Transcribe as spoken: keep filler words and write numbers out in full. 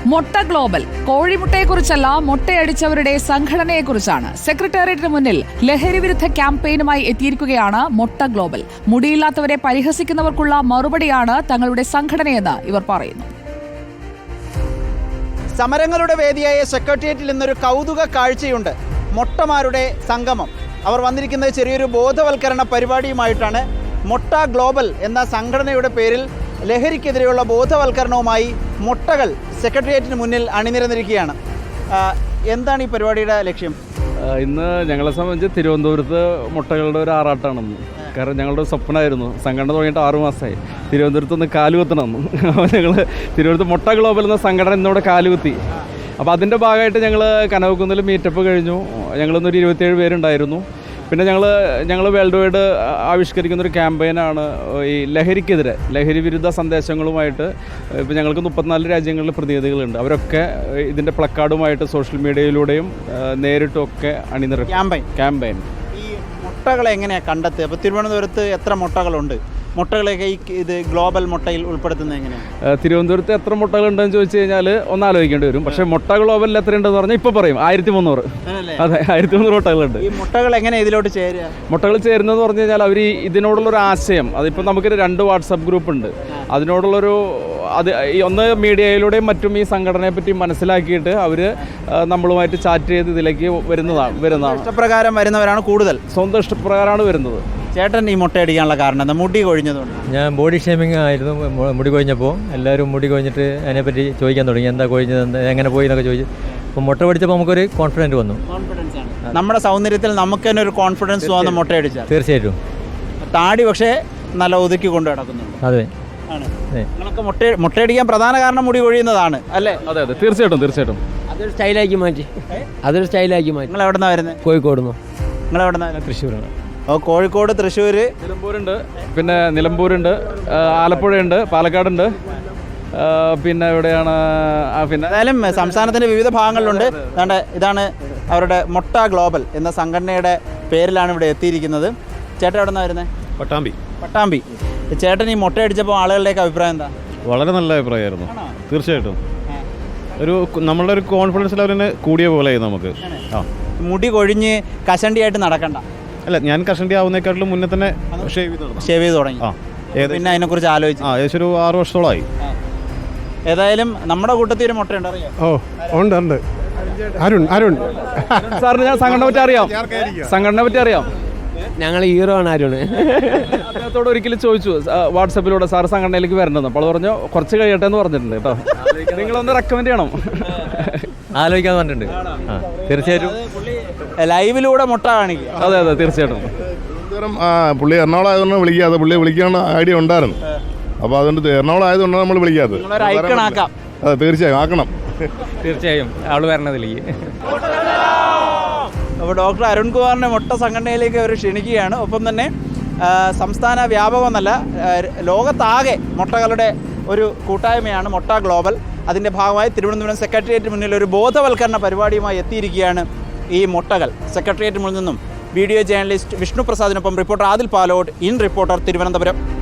മൊട്ട ഗ്ലോബൽ കോഴിമുട്ടയെക്കുറിച്ചല്ല, മുട്ടയടിച്ചവരുടെ സംഘടനയെക്കുറിച്ചാണ്. സെക്രട്ടേറിയറ്റിന് മുന്നിൽ ലഹരിവിരുദ്ധ ക്യാമ്പയിനുമായി എത്തിയിരിക്കുകയാണ് മൊട്ട ഗ്ലോബൽ. മുടിയില്ലാത്തവരെ പരിഹസിക്കുന്നവർക്കുള്ള മറുപടിയാണ് തങ്ങളുടെ സംഘടനയെന്ന് ഇവർ പറയുന്നു. സമരങ്ങളുടെ വേദിയായ സെക്രട്ടേറിയറ്റിൽ ഇന്നൊരു കൗതുക കാഴ്ചയുണ്ട്. മൊട്ടമാരുടെ സംഗമം. അവർ വന്നിരിക്കുന്നത് ചെറിയൊരു ബോധവൽക്കരണ പരിപാടിയുമായിട്ടാണ്. മൊട്ട ഗ്ലോബൽ എന്ന സംഘടനയുടെ പേരിൽ ലഹരിക്കെതിരെയുള്ള ബോധവൽക്കരണവുമായി മൊട്ടകൾ സെക്രട്ടേറിയറ്റിന് മുന്നിൽ അണിനിരന്നിരിക്കുകയാണ്. എന്താണ് ഈ പരിപാടിയുടെ ലക്ഷ്യം? ഇന്ന് ഞങ്ങളെ സംബന്ധിച്ച് തിരുവനന്തപുരത്ത് മുട്ടകളുടെ ഒരു ആറാട്ടാണെന്ന്. കാരണം ഞങ്ങളുടെ സ്വപ്നമായിരുന്നു, സംഘടന തുടങ്ങിയിട്ട് ആറു മാസമായി തിരുവനന്തപുരത്ത് ഒന്ന് കാലുകുത്തണമെന്ന്. അപ്പോൾ ഞങ്ങൾ തിരുവനന്തപുരത്ത് മൊട്ട ഗ്ലോബൽ എന്ന സംഘടന ഇന്നിവിടെ കാലുകുത്തി. അപ്പോൾ അതിൻ്റെ ഭാഗമായിട്ട് ഞങ്ങൾ കനകക്കുന്നിൽ മീറ്റപ്പ് കഴിഞ്ഞു. ഞങ്ങളിന്നൊരു ഇരുപത്തിയേഴ് പേരുണ്ടായിരുന്നു. പിന്നെ ഞങ്ങൾ ഞങ്ങൾ വേൾഡ് വൈഡ് ആവിഷ്കരിക്കുന്നൊരു ക്യാമ്പയിനാണ് ഈ ലഹരിക്കെതിരെ, ലഹരി വിരുദ്ധ സന്ദേശങ്ങളുമായിട്ട്. ഇപ്പോൾ ഞങ്ങൾക്ക് മുപ്പത്തിനാല് രാജ്യങ്ങളിൽ പ്രതിനിധികളുണ്ട്. അവരൊക്കെ ഇതിൻ്റെ പ്ലക്കാർഡുമായിട്ട് സോഷ്യൽ മീഡിയയിലൂടെയും നേരിട്ടും ഒക്കെ അണിനിരക്കും ക്യാമ്പയിൻ ക്യാമ്പയിൻ ഈ മുട്ടകളെ എങ്ങനെയാണ് കണ്ടെത്തുക? അപ്പോൾ തിരുവനന്തപുരത്ത് എത്ര മുട്ടകളുണ്ട്? മുട്ടകളെയൊക്കെ ഈ ഇത് ഗ്ലോബൽ മുട്ടയിൽ ഉൾപ്പെടുത്തുന്നത് എങ്ങനെയാണ്? തിരുവനന്തപുരത്ത് എത്ര മുട്ടകളുണ്ടെന്ന് ചോദിച്ചു കഴിഞ്ഞാൽ ഒന്ന് ആലോചിക്കേണ്ടി വരും. പക്ഷേ മുട്ട ഗ്ലോബലിൽ എത്രയുണ്ടെന്ന് പറഞ്ഞാൽ ഇപ്പോൾ പറയും ആയിരത്തി മുന്നൂറ്. അതെ, ആയിരത്തി മുന്നൂറ് മുട്ടകളുണ്ട്. ഈ മുട്ടകൾ എങ്ങനെ ഇതിലോട്ട് ചേരുക? മുട്ടകൾ ചേരുന്നതെന്ന് പറഞ്ഞു കഴിഞ്ഞാൽ അവർ ഇതിനോടുള്ളൊരു ആശയം, അതിപ്പോൾ നമുക്കൊരു രണ്ട് വാട്സപ്പ് ഗ്രൂപ്പ് ഉണ്ട്. അതിനോടുള്ളൊരു അത് ഒന്ന് മീഡിയയിലൂടെയും മറ്റും ഈ സംഘടനയെ പറ്റി മനസ്സിലാക്കിയിട്ട് അവർ നമ്മളുമായിട്ട് ചാറ്റ് ചെയ്ത് ഇതിലേക്ക് വരുന്നതാണ് വരുന്നതാണ് ഇഷ്ടപ്രകാരം വരുന്നവരാണ് കൂടുതൽ. സ്വന്തം ഇഷ്ടപ്രകാരമാണ് വരുന്നത്. ചേട്ടൻ ഈ മുട്ടയടിക്കാനുള്ള കാരണം എന്താ? മുടി കൊഴിഞ്ഞതുകൊണ്ട്. ഞാൻ ബോഡി ഷേമിങ് ആയിരുന്നു. മുടി കൊഴിഞ്ഞപ്പോൾ എല്ലാവരും മുടി കൊഴിഞ്ഞിട്ട് അതിനെപ്പറ്റി ചോദിക്കാൻ തുടങ്ങി, എന്താ കൊഴിഞ്ഞത്, എന്താ എങ്ങനെ പോയി എന്നൊക്കെ ചോദിച്ചു. അപ്പോൾ മുട്ട പഠിച്ചപ്പോൾ നമുക്കൊരു കോൺഫിഡൻറ്റ് വന്നു. കോൺഫിഡൻസ് ആണ് നമ്മുടെ സൗന്ദര്യത്തിൽ നമുക്ക് തന്നെ ഒരു കോൺഫിഡൻസ് തോന്നുന്ന മുട്ടയടിച്ചാൽ. തീർച്ചയായിട്ടും. താടി പക്ഷേ നല്ല ഒതുക്കി കൊണ്ട് നടക്കുന്നുണ്ട്. അതെ ആണ്. നിങ്ങളൊക്കെ മുട്ട മുട്ടയടിക്കാൻ പ്രധാന കാരണം മുടി കൊഴിയുന്നതാണ് അല്ലേ? അതെ അതെ തീർച്ചയായിട്ടും തീർച്ചയായിട്ടും അതൊരു സ്റ്റൈലാക്കി മാറ്റി അതൊരു സ്റ്റൈലാക്കി മാറ്റി. നിങ്ങൾ എവിടെ നിന്നാണ് വരുന്നത്? കോഴിക്കോട് നിന്ന്. നിങ്ങൾ എവിടെ നിന്നാണ്? തൃശ്ശൂരാണ്. ഓ, കോഴിക്കോട്, തൃശ്ശൂർ, നിലമ്പൂരുണ്ട്, പിന്നെ നിലമ്പൂരുണ്ട്, ആലപ്പുഴയുണ്ട്, പാലക്കാടുണ്ട്, പിന്നെ എവിടെയാണ് പിന്നെ ഏതായാലും സംസ്ഥാനത്തിൻ്റെ വിവിധ ഭാഗങ്ങളിലുണ്ട്. അതാണ്ട് ഇതാണ് അവരുടെ മൊട്ട ഗ്ലോബൽ എന്ന സംഘടനയുടെ പേരിലാണ് ഇവിടെ എത്തിയിരിക്കുന്നത്. ചേട്ടൻ എവിടെ നിന്നാണ് വരുന്നത്? പട്ടാമ്പി. പട്ടാമ്പി. ചേട്ടൻ ഈ മുട്ട അടിച്ചപ്പോൾ ആളുകളുടെയൊക്കെ അഭിപ്രായം എന്താ? വളരെ നല്ല അഭിപ്രായമായിരുന്നു. തീർച്ചയായിട്ടും ഒരു നമ്മളുടെ ഒരു കോൺഫിഡൻസ് ലെവലിന് കൂടിയ പോലെ നമുക്ക്. ആ, മുടി കൊഴിഞ്ഞ് കഷണ്ടിയായിട്ട് നടക്കണ്ട. അല്ല, ഞാൻ കഷണ്ടി ആവുന്നേക്കാട്ടിലും മുന്നേ തന്നെ ഷേവ് ചെയ്ത് ഷേവ് ചെയ്ത് തുടങ്ങി. ആ, പിന്നെ അതിനെക്കുറിച്ച് ആലോചിച്ചു. ആ, ഏകദേശം ഒരു ആറ് വർഷത്തോളമായി. ഏതായാലും നമ്മുടെ കൂട്ടത്തിൽ ഒരു മുട്ടയുണ്ട്, അറിയാം? ഓ ഉണ്ട് ഉണ്ട്. അരുൺ അരുൺ സാറിന് ഞാൻ സംഘടന പറ്റി അറിയാം. സംഘടന പറ്റി അറിയാം. ഞങ്ങൾ ഹീറോ ആണ് അരുണ്. അദ്ദേഹത്തോട് ഒരിക്കലും ചോദിച്ചു വാട്സപ്പിലൂടെ, സാർ സംഘടനയിലേക്ക് വരണമെന്ന്. അപ്പോൾ പറഞ്ഞു കുറച്ച് കഴിയട്ടെ എന്ന് പറഞ്ഞിട്ടുണ്ട് കേട്ടോ. നിങ്ങളൊന്ന് റെക്കമെൻഡ് ചെയ്യണം. ആലോചിക്കാൻ പറഞ്ഞിട്ടുണ്ട്. ആ, തീർച്ചയായിട്ടും ലൈവിലൂടെ മുട്ട കാണിക്കുക. അതെ അതെ തീർച്ചയായിട്ടും. പുള്ളി എറണാകുളം ആയതുകൊണ്ട് വിളിക്കാതെ, പുള്ളി വിളിക്കാനുള്ള ഐഡിയ ഉണ്ടായിരുന്നു. അപ്പോൾ അതുകൊണ്ട് എറണാകുളം ആയതുകൊണ്ടാണ് നമ്മൾ വിളിക്കാത്തത്. ഐക്കണാക്കാം. അതെ, തീർച്ചയായും ആക്കണം. തീർച്ചയായും അവൾ വരണതിലേക്ക്. അപ്പോൾ ഡോക്ടർ അരുൺകുമാറിനെ മുട്ട സംഘടനയിലേക്ക് അവർ ക്ഷണിക്കുകയാണ്. ഒപ്പം തന്നെ സംസ്ഥാന വ്യാപകമെന്നല്ല, ലോകത്താകെ മുട്ടകളുടെ ഒരു കൂട്ടായ്മയാണ് മൊട്ട ഗ്ലോബൽ. അതിൻ്റെ ഭാഗമായി തിരുവനന്തപുരം സെക്രട്ടേറിയറ്റിന് മുന്നിൽ ഒരു ബോധവൽക്കരണ പരിപാടിയുമായി എത്തിയിരിക്കുകയാണ് ഈ മുട്ടകൾ. സെക്രട്ടേറിയറ്റിന് മുന്നിൽ നിന്നും വീഡിയോ ജേർണലിസ്റ്റ് വിഷ്ണു പ്രസാദിനൊപ്പം reporter Adil Palode, in reporter, Thiruvananthapuram.